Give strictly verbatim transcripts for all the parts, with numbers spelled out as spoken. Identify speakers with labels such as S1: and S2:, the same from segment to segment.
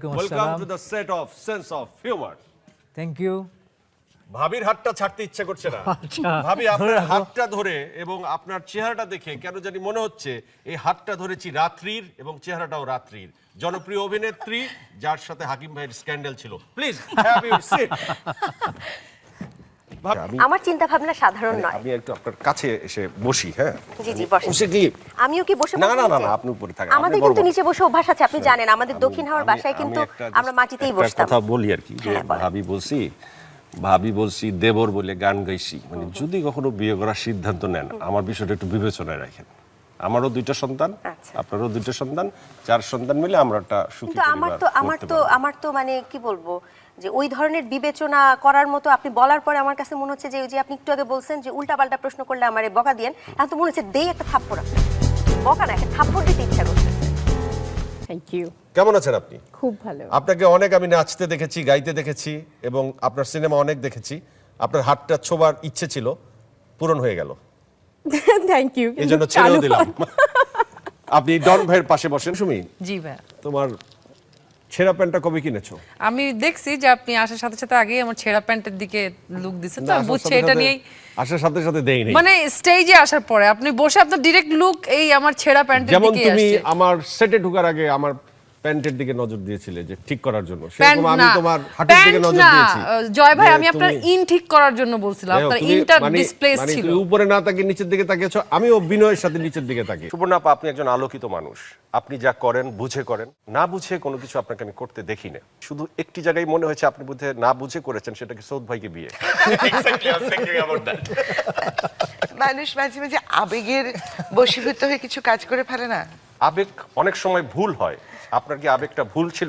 S1: Welcome to the set of Sense of Humor.
S2: Thank you.
S1: ভাবির হাতটা ছাড়তে ইচ্ছে করছে না। ভাবি আপনার হাতটা ধরে এবং আপনার চেহারাটা দেখে কেন জানি মনে হচ্ছে এই হাতটা ধরেছি রাত্রির এবং চেহারাটাও রাত্রির জনপ্রিয় অভিনেত্রী যার সাথে হাকিম ভাইয়ের স্ক্যান্ডাল ছিল। Please have your seat.
S3: আমার চিন্তা ভাবনা সাধারণ নয়।
S1: আমি একটু আপনার কাছে এসে বসি। হ্যাঁ
S3: জি জি বসেন।
S1: বসে কি
S3: আমিও কি বসে
S1: না না না আপনি উপরে থাকেন।
S3: আমাদের কিন্তু নিচে বসে অভ্যাস আছে, আপনি জানেন আমাদের দক্ষিণ হাওয়ার বাসায় কিন্তু আমরা মাটিতেই বসতাম।
S1: কথা বলি আর কি যে ভাবি বলছি ভাবি বলছি দেবর বলে গান গাইছি, মানে যদি কখনো বিয়ে করার সিদ্ধান্ত নেন আমার বিষয়টা একটু বিবেচনায় রাখেন। আমারও দুইটা সন্তান, আপনারও দুইটা সন্তান, চার সন্তান মিলে আমরা একটা সুখী পরিবার।
S3: আমার তো আমার তো আমার তো মানে কি বলবো যে ওই ধরনের বিবেচনা করার মতো আপনি বলার পরে আমার কাছে মনে হচ্ছে যে ওই যে আপনি একটু আগে বলছেন যে উল্টাপাল্টা প্রশ্ন করলে আমারে বকা দিয়েন, এখন তো মনে হচ্ছে দেই একটা থাপ্পড়, বকা না একটা থাপ্পড় দিতে ইচ্ছা করছে।
S4: Thank you.
S1: কেমন আছেন আপনি?
S4: খুব ভালো।
S1: আপনাকে অনেক আমি নাচতে দেখেছি, গাইতে দেখেছি এবং আপনার সিনেমা অনেক দেখেছি। আপনার হাতটা ছোবার ইচ্ছে ছিল, পূরণ হয়ে গেল।
S4: Thank you.
S1: এই জন্য ছেড়েও দিলাম। আপনি ডন ভাইয়ের পাশে বসেন। সুমি,
S5: জি ভাই,
S1: তোমার ছেঁড়া প্যান্টটা কবে কিনেছো?
S5: আমি দেখছি যে আপনি আসার সাথে সাথে আগেই আমার ছেঁড়া প্যান্টের দিকে লুক দিছেন, তো আমি বুঝছি এটা নিয়েই
S1: আসার সাথে সাথে দেই নাই,
S5: মানে স্টেজে আসার পরে আপনি বসে আপনার ডিরেক্ট লুক এই আমার ছেঁড়া প্যান্টের দিকে
S1: যেমন
S5: আসছে।
S1: তুমি আমার সেটে ঢোকার আগে আমার প্যান্টের দিকে নজর দিয়েছিলে যে ঠিক করার জন্য, সেরকম আমি তোমার হাতের দিকে নজর দিয়েছি।
S5: জয় ভাই, আমি আপনার ইন ঠিক করার জন্য বলছিলাম, আপনার ইনটা ডিসপ্লেস ছিল।
S1: তুমি উপরে না তাকিয়ে নিচের দিকে তাকিয়েছো, আমিও বিনয়ের সাথে নিচের দিকে তাকিয়ে। সুবর্ণা আপা, আপনি একজন আলোকিত মানুষ, আপনি যা করেন বুঝে করেন, না বুঝে কোনো কিছু আপনাকে আমি করতে দেখি না। শুধু একটি জায়গায় মনে হয়েছে আপনি বোধহয় না বুঝে করেছেন, সেটা কি সৌদ ভাইকে বিয়ে।
S6: মানুষ মাঝে মাঝে আবেগের বশীভূত হয়ে কিছু কাজ করে ফেলে না।
S1: আবেগ অনেক সময় ভুল হয়, আপনার কি আবেগটা ভুল ছিল?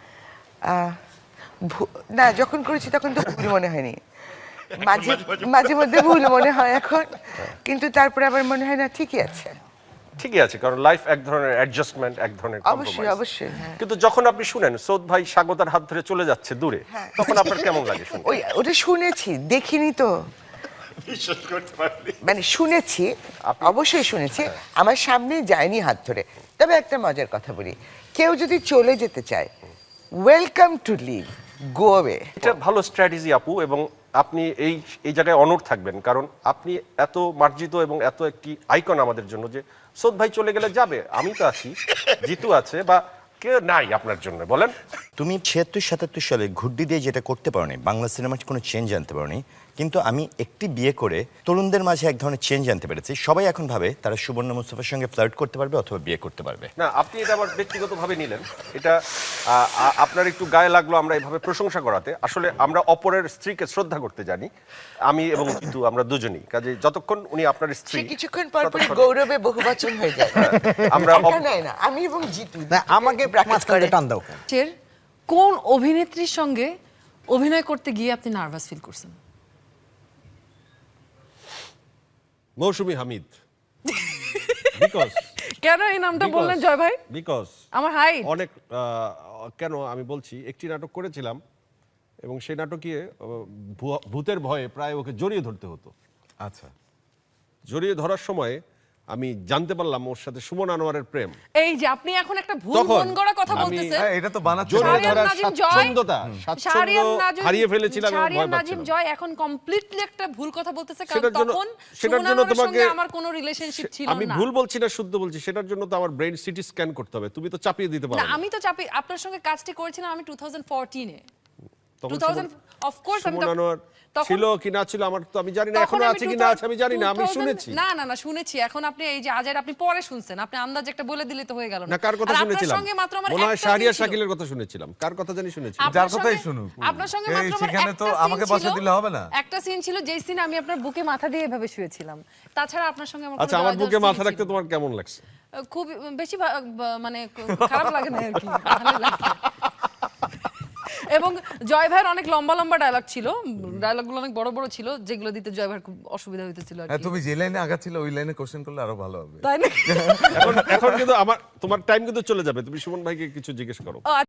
S6: না, যখন করেছি তখন তো ভুল মনে হয়নি, মাঝে মাঝে মধ্যে ভুল মনে হয় এখন, কিন্তু তারপরে আবার মনে হয় না ঠিকই আছে।
S1: ঠিকই আছে, কারণ লাইফ এক ধরনের অ্যাডজাস্টমেন্ট, এক ধরনের
S6: অবশ্যই অবশ্যই।
S1: কিন্তু যখন আপনি শুনেন সৌদ ভাই স্বাগতার হাত ধরে চলে যাচ্ছে দূরে, তখন আপনার কেমন লাগে শুনে?
S6: ওই ওটা শুনেছি, দেখিনি তো, মানে শুনেছি, অবশ্যই শুনেছি, আমার সামনে যায়নি হাত ধরে। তবে একটা মজার কথা বলি, কেউ যদি চলে যেতে চায়, welcome to leave, go away.
S1: এটা ভালো স্ট্র্যাটেজি আপু, এবং আপনি এই এই জায়গায় অনড় থাকবেন, কারণ আপনি এত মার্জিত এবং এত একটি আইকন আমাদের জন্য যে সৌদ ভাই চলে গেলে যাবে, আমি তো আছি, জিতু আছে, বা কেউ নাই আপনার জন্য। বলেন,
S7: তুমি ছিয়াত্তর সাতাত্তর সালে ঘুড্ডি দিয়ে যেটা করতে পারোনি, বাংলা সিনেমার কোনো চেঞ্জ আনতে পারোনি, কিন্তু আমি একটি বিয়ে করে তরুণদের মাঝে এক ধরনের চেঞ্জ আনতে পেরেছি। সবাই এখন ভাবে তারা সুবর্ণা মুস্তাফার সঙ্গে ফ্লার্ট করতে পারবে অথবা বিয়ে করতে পারবে।
S1: না, আপনি এটা আবার ব্যক্তিগতভাবে নিলেন, এটা আপনার একটু গায়ে লাগলো আমরা এভাবে প্রশংসা করাতে। আসলে আমরা অপরের স্ত্রীকে শ্রদ্ধা করতে জানি, আমি এবং জিতু, আমরা দুজনেই। কাজে যতক্ষণ উনি আপনার স্ত্রী,
S6: কিছুক্ষণ পর পর গৌরবে বহুবচন হয়ে যায়।
S1: আমরা
S6: না, আমি এবং জিতু
S2: আমাকে মাঝখানে টান দাও।
S5: কোন অভিনেত্রীর সঙ্গে অভিনয় করতে গিয়ে আপনি নার্ভাস ফিল করছেন?
S1: মৌসুমী হামিদ। বিকজ
S5: কেন এই নামটা বললেন জয় ভাই?
S1: বিকজ
S5: আমার হাইট
S1: অনেক, কেন আমি বলছি, একটি নাটক করেছিলাম এবং সেই নাটকে ভূতের ভয়ে প্রায় ওকে জড়িয়ে ধরতে হতো।
S7: আচ্ছা,
S1: জড়িয়ে ধরার সময় আমি জানতে পারলাম ওর সাথে সুমন আনোয়ারের প্রেম।
S5: এই যে আপনি এখন একটা ভুল মন গড়া কথা বলতেছেন,
S2: এটা তো বানাচ্ছে।
S1: জড়িয়ে ধরার স্বাচ্ছন্দ্যতা, স্বাচ্ছন্দ্য হারিয়ে ফেলেছিলাম এবং ভয়
S5: নাজিম জয় এখন কমপ্লিটলি একটা ভুল কথা বলতেছে, কারণ
S1: সেটার জন্য
S5: তখন
S1: সেটার জন্য তোমাকে
S5: আমার কোনো রিলেশনশিপ ছিল না।
S1: আমি ভুল বলছি না, শুদ্ধ বলছি। সেটার জন্য তো আমার ব্রেইন সিটি স্ক্যান করতে হবে, তুমি তো চাপিয়ে দিতে পারো
S5: না।
S1: না।
S5: আমি তো চাপি, আপনার সঙ্গে কাজটি করেছিলাম আমি দুই হাজার চৌদ্দ এ।
S1: তখন
S5: দুই হাজার অফ কোর্স আমি
S1: সুমন আনোয়ার ছিল কি না ছিল আমার তো আমি জানি না, এখনো আছে কি না আছে আমি জানি না, আমি শুনেছি।
S5: না না না শুনেছি। এখন আপনি এই যে আজের আপনি পরে শুনছেন, আপনি আন্দাজ একটা বলে দিলে তো হয়ে গেল
S1: না। কার কথা শুনেছিলাম?
S5: আপনার সঙ্গে মাত্র আমার
S1: মনে হয়
S5: একটা
S1: শাহরিয়ার
S5: সিন ছিল।
S1: শাকিলের কথা শুনেছিলাম। কার কথা জানি শুনেছি?
S2: যার কথাই শুনুক।
S5: আপনার সঙ্গে মাত্র আমার
S2: সেখানে তো
S5: একটা
S2: আমাকে
S5: সিন
S2: বসে
S5: ছিল,
S2: দিলে হবে না।
S5: একটা সিন ছিল যেই সিনে আমি আপনার বুকে মাথা দিয়ে এভাবে শুয়েছিলাম। তাছাড়া আপনার সঙ্গে আমার
S1: আচ্ছা, আমার বুকে মাথা রাখতে তোমার কেমন লাগছে?
S5: খুব বেশি মানে খারাপ লাগে না আর কি, ভালো লাগছে। এবং জয় ভাইয়ের অনেক লম্বা লম্বা ডায়লগ ছিল, ডায়লগগুলো অনেক বড় বড় ছিল, যেগুলো দিতে জয় ভাইয়ের খুব অসুবিধা হইতেছিল আর কি।
S2: তুমি যে লাইনে আগাচ্ছিলে ওই লাইনে কোশ্চেন করলে আরো ভালো হবে,
S5: তাই না?
S1: এখন এখন কিন্তু আমার তোমার টাইম কিন্তু চলে যাবে, তুমি সুমন ভাইকে কিছু জিজ্ঞেস করো।